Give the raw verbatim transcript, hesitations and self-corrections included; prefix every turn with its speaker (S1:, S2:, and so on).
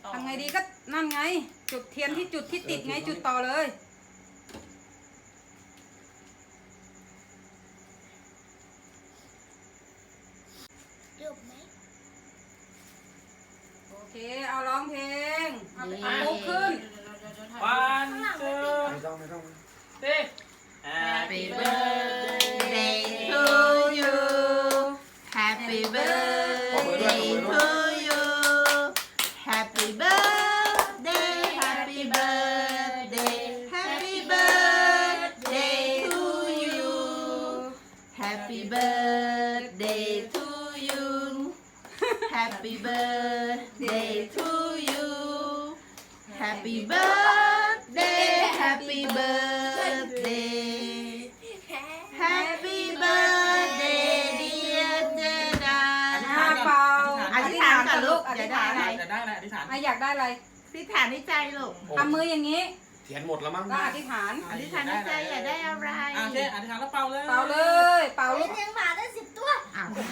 S1: ทำไงดีก็นั่นไง จุดเทียนที่จุดที่ติดไงจุดต่อเลย
S2: จบไหม
S1: โอเคเอาร้องเพลงเอาลุกขึ้น
S3: วันเจอ
S4: ไม่ต้องไม่ต้อง
S3: เต้
S5: Happy birthday to you Happy birthday to you Happy birthday Happy birthday Happy birthday to you Happy birthday to you Happy birthday to you Happy birthday Happy birthday Happy birthday dear เจดา
S1: อ่าเปล่า
S5: อธิษฐานก่อนลูก
S1: อ
S5: จะ
S1: ธิษ
S5: ได้
S1: ฐาน
S5: อะไร
S3: จะได้อะไรอธิษฐาน
S1: อ่ะอยากได้อะไร
S5: อธิษฐานในใจลูก
S1: ทำมืออย่างนี้
S4: เทียนหมดแล้วมั้ง
S1: ก็อธิษฐาน
S5: อธิษฐานในใจอยากได้อะไร
S3: อ่ะเจ๊อธิษฐานแล้วเป่าเลย
S1: เป่าเลยเป่าลูก
S2: เลี้ยงหมาได้สิบตัว
S5: อ้าว